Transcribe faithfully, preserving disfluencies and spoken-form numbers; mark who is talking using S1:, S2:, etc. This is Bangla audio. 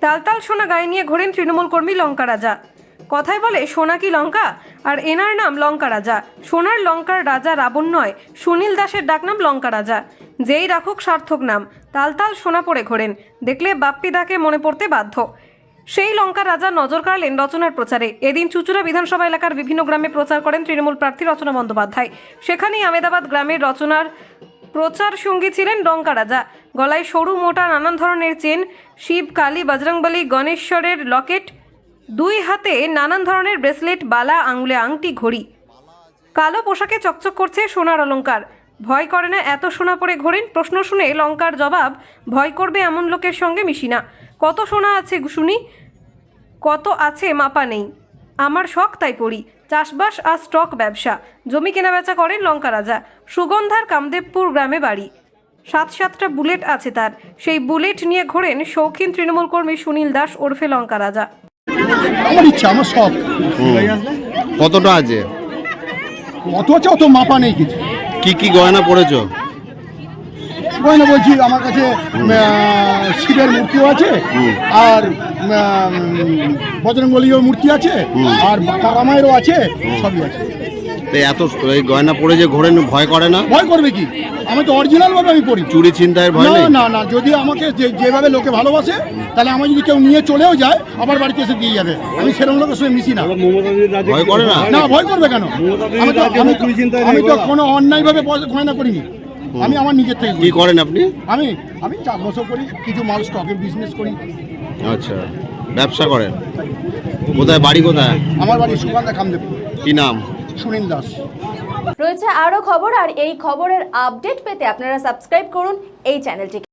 S1: তালতাল সোনা গায়ে নিয়ে ঘোরেন তৃণমূল কর্মী লঙ্কা রাজা। কথায় বলে সোনা কি লঙ্কা, আর এনার নাম লঙ্কা রাজা। সোনার লঙ্কার রাজা রাবণ নয়, সুনীল দাসের ডাকনাম লঙ্কা রাজা। যেই রাখুক সার্থক নাম, তালতাল সোনা পরে ঘোরেন, দেখলে বাপ্পিদাকে মনে পড়তে বাধ্য। সেই লঙ্কা রাজা নজর কাড়লেন রচনার প্রচারে। এদিন চুচুড়া বিধানসভা এলাকার বিভিন্ন গ্রামে প্রচার করেন তৃণমূল প্রার্থী রচনা বন্দ্যোপাধ্যায়। সেখানেই আমেদাবাদ গ্রামের রচনার প্রচার সঙ্গী ছিলেন লঙ্কা রাজা। গলায় সরু মোটা নানান ধরনের চেন, শিব, কালী, বজরংবলী, গণেশ্বরের লকেট, দুই হাতে নানান ধরনের ব্রেসলেট, বালা, আঙুলে আংটি, ঘড়ি। কালো পোশাকে চকচক করছে সোনার অলংকার। ভয় করে না এত সোনা পরে ঘোরেন? প্রশ্ন শুনে লঙ্কার জবাব, ভয় করবে এমন লোকের সঙ্গে মিশি না। কত সোনা আছে শুনি, কত আছে মাপা নেই। আমার শখ তাই পড়ি। চাষবাস আর স্টক ব্যবসা, জমি কেনাবেচা করেন লঙ্কা রাজা। সুগন্ধার কামদেবপুর গ্রামে বাড়ি। সাত সাতটা বুলেট আছে তার। সেই বুলেট নিয়ে ঘোরেন শৌখিন তৃণমূল কর্মী সুনীল দাস ওরফে লঙ্কা রাজা।
S2: আমার ইচ্ছা, আমার শখ।
S3: কতটা আছে?
S2: কত আছে অত মাপা নেই কিছু।
S3: কি কি গয়না পড়েছো?
S2: গয়না বলছি, আমার কাছে শিবের মূর্তিও আছে, আর বজরংবলীর মূর্তি আছে, আর তারামায়েরও আছে, সবই আছে।
S3: এত এই গয়না পরে যে ঘোরেন, ভয় করে না?
S2: ভয় করবে কি, আমি তো অরিজিনাল ভাবে আমি পড়ি।
S3: চুরি ছিনতাইয়ের ভয় নেই?
S2: না না, যদি আমাকে যেভাবে লোকে ভালোবাসে, তাহলে আমার যদি কেউ নিয়ে চলেও যায়, আবার বাড়িতে এসে দিয়ে যাবে। আমি সেরকম লোকের সঙ্গে মিশি না।
S3: ভয় করে না?
S2: না, ভয় করবে কেন? আমি তো আমি তো কোনো অন্যায় ভাবে গয়না করিনি। আমি আমার নিজের থেকে।
S3: কি করেন আপনি?
S2: আমি আমি চাষবাসও করি, কিছু মাল স্টকের বিজনেস করি।
S3: আচ্ছা, ব্যবসা করেন। কোথায় বাড়ি? কোথায়?
S2: আমার বাড়ি সুগন্ধা কামদেবপুর।
S3: কি নাম?
S2: সুনীল দাস।
S4: রয়েছে আরও খবর, আর এই খবরের আপডেট পেতে আপনারা সাবস্ক্রাইব করুন এই চ্যানেলটিকে।